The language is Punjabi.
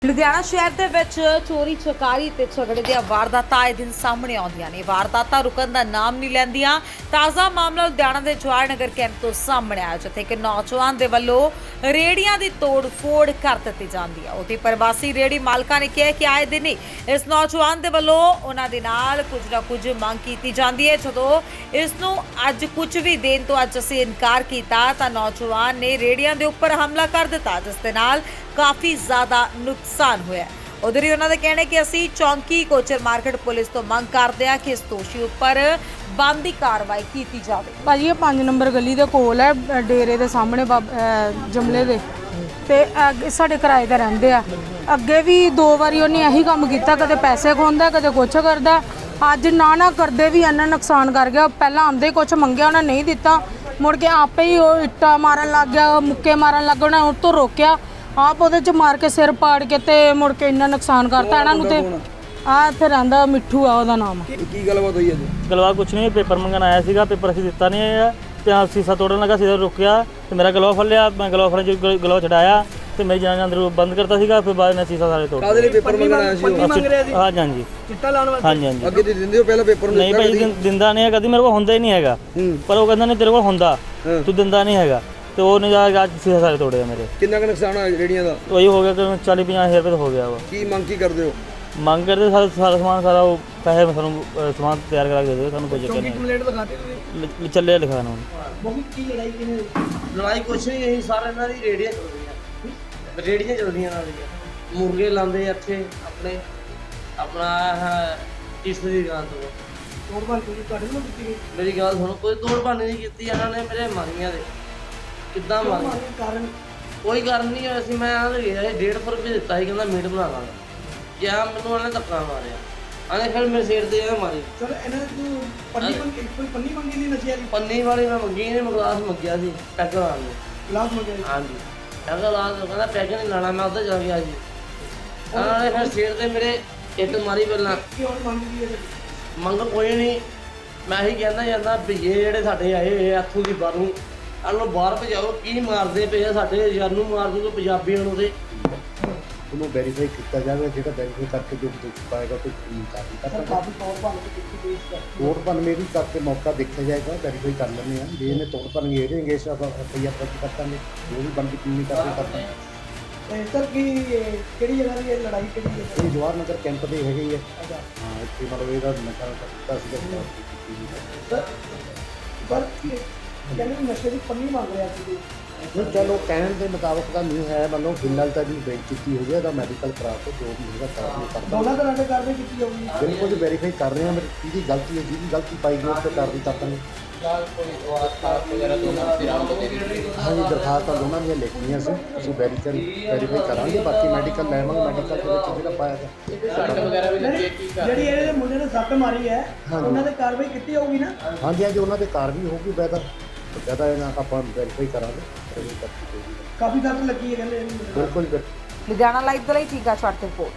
ਲੁਧਿਆਣਾ ਸ਼ਹਿਰ ਦੇ ਵਿੱਚ ਚੋਰੀ ਚਕਾਰੀ ਤੇ ਝਗੜੇ ਦੀਆਂ ਵਾਰਦਾਤਾਂ ਆਏ ਦਿਨ ਸਾਹਮਣੇ ਆਉਂਦੀਆਂ ਨੇ। ਵਾਰਦਾਤਾਂ ਰੁਕਣ ਦਾ ਨਾਮ ਨਹੀਂ ਲੈਂਦੀਆਂ। ਤਾਜ਼ਾ ਮਾਮਲਾ ਲੁਧਿਆਣਾ ਦੇ ਜਵਾਹਰ ਨਗਰ ਕੈਂਪ ਤੋਂ ਸਾਹਮਣੇ ਆਇਆ, ਜਿੱਥੇ ਕਿ ਨੌਜਵਾਨ ਦੇ ਵੱਲੋਂ ਰੇੜੀਆਂ ਦੀ ਤੋੜ-ਫੋੜ ਕਰ ਦਿੱਤੀ ਜਾਂਦੀ ਹੈ। ਉਹਦੀ ਪ੍ਰਵਾਸੀ ਰੇੜੀ ਮਾਲਕਾਂ ਨੇ ਕਿਹਾ ਕਿ ਆਏ ਦਿਨ ਹੀ ਇਸ ਨੌਜਵਾਨ ਦੇ ਵੱਲੋਂ ਉਹਨਾਂ ਦੇ ਨਾਲ ਕੁਝ ਨਾ ਕੁਝ ਮੰਗ ਕੀਤੀ ਜਾਂਦੀ ਹੈ। ਜਦੋਂ ਇਸ ਨੂੰ ਅੱਜ ਕੁਝ ਵੀ ਦੇਣ ਤੋਂ ਅੱਜ ਅਸੀਂ ਇਨਕਾਰ ਕੀਤਾ ਤਾਂ ਨੌਜਵਾਨ ਨੇ ਰੇੜੀਆਂ ਦੇ ਉੱਪਰ ਹਮਲਾ ਕਰ ਦਿੱਤਾ, ਜਿਸ ਦੇ ਨਾਲ ਕਾਫੀ ਜ਼ਿਆਦਾ ਨੁਕਸਾਨ ਹੋਇਆ। ਉਧਰ ਹੀ ਉਹਨਾਂ ਦਾ ਕਹਿਣਾ ਹੈ ਕਿ ਅਸੀਂ ਚੌਂਕੀ ਕੋਚਰ ਮਾਰਕੀਟ ਪੁਲਿਸ ਤੋਂ ਮੰਗ ਕਰਦੇ ਹਾਂ ਕਿ ਇਸ ਦੋਸ਼ੀ ਉੱਪਰ ਬਣਦੀ ਕਾਰਵਾਈ ਕੀਤੀ ਜਾਵੇ। ਭਾਜੀ ਇਹ 5 ਨੰਬਰ ਗਲੀ ਦੇ ਕੋਲ ਹੈ, ਡੇਰੇ ਦੇ ਸਾਹਮਣੇ ਜਮਲੇ ਦੇ ਤੇ ਸਾਡੇ ਕਿਰਾਏ ਤੇ ਰਹਿੰਦੇ ਆ। ਅੱਗੇ ਵੀ 2 ਵਾਰੀ ਉਹਨੇ ਇਹੀ ਕੰਮ ਕੀਤਾ, ਕਦੇ ਪੈਸੇ ਖੋਹਦਾ ਕਦੇ ਕੁਛ ਕਰਦਾ। ਅੱਜ ਨਾ ਕਰਦੇ ਵੀ ਇੰਨਾ ਨੁਕਸਾਨ ਕਰ ਗਿਆ। ਪਹਿਲਾਂ ਆਉਂਦੇ ਕੁਛ ਮੰਗਿਆ, ਉਹਨਾਂ ਨਹੀਂ ਦਿੱਤਾ, ਮੁੜ ਕੇ ਆਪੇ ਹੀ ਉਹ ਇੱਟਾਂ ਮਾਰਨ ਲੱਗ ਗਿਆ, ਮੁੱਕੇ ਮਾਰਨ ਲੱਗ ਗਿਆ। ਉਹਨਾਂ ਉਹ ਤੋਂ ਰੋਕਿਆ, ਆਪ ਉਹਦੇ 'ਚ ਮਾਰ ਕੇ ਸਿਰ ਪਾੜ ਕੇ ਤੇ ਮੁੜ ਕੇ ਇੰਨਾ ਨੁਕਸਾਨ ਕਰਤਾ ਇਹਨਾਂ ਨੂੰ। ਤੇ ਆ ਇੱਥੇ ਰਹਿੰਦਾ ਮਿੱਠੂ ਆ ਉਹਦਾ ਨਾਮ। ਕੀ ਗੱਲਬਾਤ ਹੋਈ ਅੱਜ? ਗਲਵਾ ਕੁਛ ਨਹੀਂ, ਪੇਪਰ ਮੰਗਣ ਆਇਆ ਸੀਗਾ, ਪੇਪਰ ਅਸੀਂ ਦਿੱਤਾ ਨਹੀਂ ਹੈ ਤੇ ਆ ਸੀਸਾ ਤੋੜਨ ਲੱਗਾ, ਸੀਸਾ ਰੁਕਿਆ ਤੇ ਮੇਰਾ ਗਲਵਾ ਫੜ ਲਿਆ। ਮੈਂ ਗਲਵਾ ਫੜਨ 'ਚ ਗਲਵਾ ਛਡਾਇਆ ਤੇ ਮੇਰੀ ਜਾਨ ਅੰਦਰ ਬੰਦ ਕਰਤਾ ਸੀਗਾ। ਫਿਰ ਬਾਅਦ ਨੇ ਸੀਸਾ ਸਾਰੇ ਤੋੜ। ਕਾਹਦੇ ਲਈ ਪੇਪਰ ਮੰਗਣ ਆਇਆ ਸੀ? ਹਾਂਜੀ ਹਾਂਜੀ ਚਿੱਟਾ ਲਾਉਣ ਵਾਸਤੇ। ਹਾਂਜੀ ਹਾਂਜੀ। ਅੱਗੇ ਤੇ ਦਿੰਦੇ ਹੋ ਪਹਿਲਾਂ ਪੇਪਰ ਨੂੰ? ਨਹੀਂ ਭਾਈ ਦਿੰਦਾ ਨਹੀਂ ਹੈ, ਕਦੀ ਮੇਰੇ ਕੋਲ ਹੁੰਦਾ ਹੀ ਨਹੀਂ ਹੈਗਾ। ਪਰ ਉਹ ਕਹਿੰਦਾ ਨਹੀਂ ਤੇਰੇ ਕੋਲ ਹੁੰਦਾ, ਤੂੰ ਦਿੰਦਾ ਨਹੀਂ ਹੈਗਾ। ਤੇ ਉਹ ਨਹੀਂ ਜਾ ਕੇ ਅੱਜ ਸੀਸਾ ਸਾਰੇ ਤੋੜੇ ਮੇਰੇ। ਕਿੰਨਾ ਕੁ ਨੁਕਸਾਨ ਹੋਇਆ ਰੇੜੀਆਂ ਦਾ? ਉਹੀ ਹੋ ਗਿਆ ਕਿ 40-50 ਹਜ਼ਾਰ ਰੁਪਏ ਤਾਂ ਹੋ ਗਿਆ ਵਾ। ਕੀ ਮੰਗ ਕੀ ਕਰਦੇ ਹੋ? ਮੰਗ ਕਰਦੇ ਸਾਰਾ ਸਮਾਨ ਸਾਰਾ ਉਹ ਪੈਸੇ ਮੈਂ ਸਾਨੂੰ ਸਮਾਨ ਤਿਆਰ ਕਰਾ ਕੇ ਦੇ ਦਿਓ, ਸਾਨੂੰ ਕੋਈ ਚੱਕਰ ਨਹੀਂ। ਕੰਪਲੇਂਟ ਲਿਖਾਤੇ ਤੁਸੀਂ? ਚੱਲਿਆ ਲਿਖਾਣਾ ਹੁਣ। ਬਹੁਤ ਕੀ ਲੜਾਈ ਕਿਨੇ? ਲੜਾਈ ਕੁਛ ਨਹੀਂ, ਇਹੀ ਸਾਰੇ ਇਹਨਾਂ ਦੀ ਰੇੜੀਆਂ ਚੱਲਦੀਆਂ ਨਾਲ ਦੀਆਂ। ਮੁਰਗੇ ਲਾਉਂਦੇ ਇੱਥੇ ਆਪਣੇ ਆਪਣਾ ਇਸ ਦੀ ਦੁਕਾਨ ਤੋਂ। ਤੋੜ ਭੰਨ ਕੋਈ ਤੁਹਾਡੇ ਨਾਲ ਕੀਤੀ ਗਈ? ਮੇਰੀ ਗੱਲ ਸੁਣੋ, ਕੋਈ ਤੋੜ ਭੰਨ ਨਹੀਂ ਕੀਤੀ ਇਹਨਾਂ ਨੇ ਮੇਰੇ ਮਾਰੀਆਂ ਦੇ। ਕਿੱਦਾਂ ਮਾਰੀਆਂ? ਕਾਰਨ ਕੋਈ ਕਾਰਨ ਨਹੀਂ ਹੋਇਆ ਸੀ। ਮੈਂ ਆਹ ਗਿਆ 150 ਰੁਪਏ ਦਿੱਤਾ ਸੀ, ਕਹਿੰਦਾ ਮੀਟ ਬਣਾ ਲਾਂਗਾ। ਕਿਹਾ ਮੈਨੂੰ ਉਹਨੇ ਧੱਕਾ ਮਾਰਿਆ, ਆਨੇ ਫਿਰ ਮੇਰੇ ਸਿਰ ਤੇ ਇਹ ਮਾਰੀ। ਚਲ ਇਹਨਾਂ ਨੂੰ ਪੰਨੀ ਮੰਗੀ, ਕੋਈ ਪੰਨੀ ਮੰਗੀ ਨਹੀਂ ਨਸ਼ੇ ਵਾਲੀ? ਪੰਨੀ ਵਾਲੀ ਮੈਂ ਮੰਗੀ ਨਹੀਂ, ਮੈਂ ਗਲਾਸ ਮੰਗਿਆ ਸੀ ਪੈਗ ਲਾਉਣ ਨੂੰ। ਗਲਾਸ ਮੰਗਿਆ? ਹਾਂਜੀ ਪੈਗ ਲਾ ਕੇ ਕਹਿੰਦਾ ਪੈਗ ਨਹੀਂ ਲਾਣਾ, ਮੈਂ ਉੱਧਰ ਜਾ ਗਿਆ ਜੀ। ਉਹਨਾਂ ਨੇ ਫਿਰ ਸਿਰ ਤੇ ਮੇਰੇ ਇੱਟ ਮਾਰੀ। ਪਹਿਲਾਂ ਕੀ ਹੋਰ ਮੰਗੀ ਹੈ? ਮੰਗ ਕੋਈ ਨਹੀਂ, ਮੈਂ ਹੀ ਕਹਿੰਦਾ ਜਾਂਦਾ ਭਈਏ ਜਿਹੜੇ ਸਾਡੇ ਆਏ ਹੋਏ ਇੱਥੋਂ ਦੀ ਬਾਹਰੋਂ, ਇਹਨਾਂ ਨੂੰ ਬਾਹਰ ਭਜਾਓ। ਕੀ ਮਾਰਦੇ ਪਏ ਆ, ਸਾਡੇ ਯਾਰ ਨੂੰ ਮਾਰ ਦੂਗੇ ਪੰਜਾਬੀਆਂ ਨੂੰ। ਤੇ ਉਹਨੂੰ ਵੈਰੀਫਾਈ ਕੀਤਾ ਜਾਵੇ, ਜਿਹੜਾ ਵੈਰੀਫਾਈ ਕਰਕੇ ਜੋ ਦੋਸ਼ ਪਾਏਗਾ ਕੋਈ ਕਾਰਵਾਈ ਕਰਦਾ। ਕਾਫੀ ਤੋੜ ਭੰਨ ਕੇ ਕੀਤੀ ਗਈ ਇਸ ਤੋੜ ਭੰਨ ਮੇਰੀ ਕਰਕੇ ਮੌਕਾ ਦੇਖਿਆ ਜਾਏਗਾ, ਵੈਰੀਫਾਈ ਕਰ ਲੈਂਦੇ ਹਾਂ। ਜੇ ਇਹਨੇ ਤੋੜ ਭੰਨ ਗੇੜੇਗੇ ਇਸ ਆਪਾਂ ਰੁਪਈਆ ਦਰਜ ਕਰ ਦਾਂਗੇ, ਜੋ ਵੀ ਬਣਦੀ ਕਾਨੂੰਨੀ ਕਾਰਵਾਈ ਕਰ ਦਾਂਗੇ। ਤੇ ਸਰ ਕੀ ਕਿਹੜੀ ਜਗ੍ਹਾ ਦੀ ਇਹ ਲੜਾਈ ਕਿਹੜੀ ਜਗ੍ਹਾ? ਇਹ ਜਵਾਹਰ ਨਗਰ ਕੈਂਪ ਦੇ ਹੈਗੇ ਹੀ ਹੈ। ਹਾਂ, ਇੱਥੇ ਮਤਲਬ ਇਹਦਾ ਨਸ਼ਾ ਕੀਤਾ ਸੀਗਾ। ਸਰ ਪਰ ਕਹਿੰਦੇ ਨਸ਼ੇ ਦੀ ਪੰਨੀ ਮੰਗ ਰਿਹਾ ਸੀ। ਨਹੀਂ ਚਲੋ ਕਹਿਣ ਦੇ ਮੁਤਾਬਕ ਤਾਂ ਨਹੀਂ ਹੈ, ਮਤਲਬ ਫਿਲਹਾਲ ਤਾਂ ਜੀ ਬੈਂਕ ਚੁੱਕੀ ਹੋ ਗਿਆ, ਇਹਦਾ ਮੈਡੀਕਲ ਕਰਾ ਕੇ ਜੋ ਵੀ ਹੋਏਗਾ ਕਾਰਵਾਈ ਕਰ ਦਾਂਗੇ। ਦੋਨਾਂ ਤਰ੍ਹਾਂ ਦੇ ਕਾਰਵਾਈ ਕੀਤੀ ਜਾਊਗੀ? ਬਿਲਕੁਲ ਵੈਰੀਫਾਈ ਕਰ ਰਹੇ ਹਾਂ, ਮੇਰੀ ਕਿਹਦੀ ਗਲਤੀ ਹੈ, ਜਿਹਦੀ ਗਲਤੀ ਪਾਈ ਗਈ ਉਹ 'ਤੇ ਕਾਰਵਾਈ ਕਰ ਦਾਂਗੇ। ਹਾਂਜੀ ਦਰਖਾਸਤਾਂ ਦੋਨਾਂ ਦੀਆਂ ਲਿਖਣੀਆਂ ਸੀ, ਅਸੀਂ ਵੈਰੀਫਾਈ ਕਰਾਂਗੇ। ਬਾਕੀ ਮੈਡੀਕਲ ਲੈਵਾਂਗੇ, ਮੈਡੀਕਲ ਦੇ ਵਿੱਚ ਜਿਹੜਾ ਪਾਇਆ ਜਿਹੜੀ ਇਹਦੇ ਮੁੰਡੇ ਨੇ ਸੱਟ ਮਾਰੀ ਹੈ ਉਹਨਾਂ ਤੇ ਕਾਰਵਾਈ ਕੀਤੀ ਜਾਊਗੀ ਨਾ? ਹਾਂਜੀ ਹਾਂਜੀ ਉਹਨਾਂ ਤੇ ਕਾਰਵਾਈ ਹੋਊਗੀ। ਬਕਾਇਦਾ ਇਹਨਾਂ ਆਪਾਂ ਵੈਰੀਫਾਈ ਕਰਾਂਗੇ। ਕਾਫੀ ਸੱਟ ਲੱਗੀ ਹੈ ਕਹਿੰਦੇ। ਬਿਲਕੁਲ ਲੁਧਿਆਣਾ ਲਾਈਵ ਦੇ ਲਈ ਠੀਕਾ ਛੱਡ ਤੇ ਰਿਪੋਰਟ।